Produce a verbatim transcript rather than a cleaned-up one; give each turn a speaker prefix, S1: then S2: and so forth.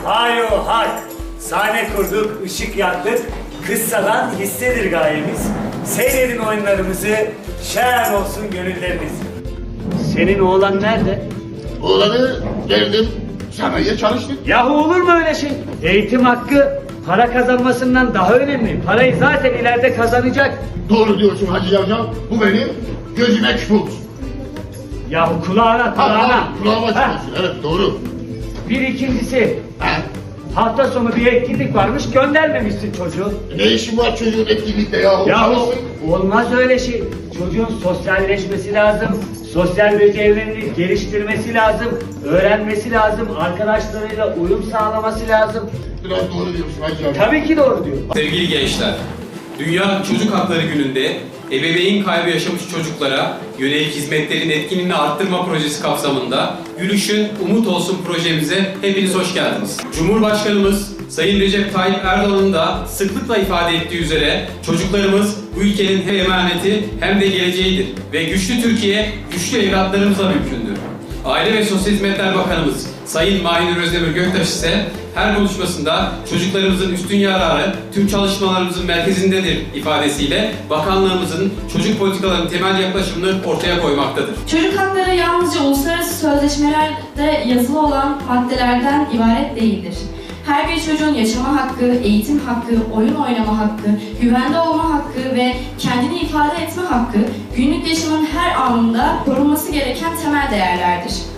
S1: Hayo hak. Sahne kurduk, ışık yaktık. Kıssadan hissedir gayemiz. Seyredin oyunlarımızı, şen olsun gönülleriniz. Senin oğlan nerede?
S2: Oğlanı verdim, sanayiye çalıştık.
S1: Yahu olur mu öyle şey? Eğitim hakkı para kazanmasından daha önemli. Parayı zaten ileride kazanacak.
S2: Doğru diyorsun Hacı Cavcav, bu benim gözüme küp oldu.
S1: Yahu kulağına
S2: Ha,
S1: kulağına.
S2: ha, kulağıma
S1: Ha,
S2: çıkıyorsun, evet doğru.
S1: bir ikincisi,
S2: Ha,
S1: hafta sonu bir etkinlik varmış, göndermemişsin çocuğu.
S2: ne işin var çocuğun etkinlikte yahu?
S1: Yahu olmaz öyle şey. Çocuğun sosyalleşmesi lazım. Sosyal becerilerini geliştirmesi lazım. Öğrenmesi lazım. Arkadaşlarıyla uyum sağlaması lazım.
S2: Biraz doğru diyorsun Hacı Cavcav.
S1: Tabii ki doğru diyor.
S3: Sevgili gençler, Dünya Çocuk Hakları Günü'nde ebeveyn kaybı yaşamış çocuklara yönelik hizmetlerin etkinliğini arttırma projesi kapsamında Gülüşün Umut Olsun projemize hepiniz hoş geldiniz. Cumhurbaşkanımız Sayın Recep Tayyip Erdoğan'ın da sıklıkla ifade ettiği üzere çocuklarımız bu ülkenin hem emaneti hem de geleceğidir ve güçlü Türkiye güçlü evlatlarımızla mümkündür. Aile ve Sosyal Hizmetler Bakanımız Sayın Mahir Özdemir Göktaş ise her konuşmasında çocuklarımızın üstün yararı tüm çalışmalarımızın merkezindedir ifadesiyle bakanlığımızın çocuk politikalarının temel yaklaşımını ortaya koymaktadır.
S4: Çocuk hakları yalnızca uluslararası sözleşmelerde yazılı olan maddelerden ibaret değildir. Her bir çocuğun yaşama hakkı, eğitim hakkı, oyun oynama hakkı, güvende olma hakkı ve kendini ifade etme hakkı günlük yaşamın her anında korunması gereken temel değerlerdir.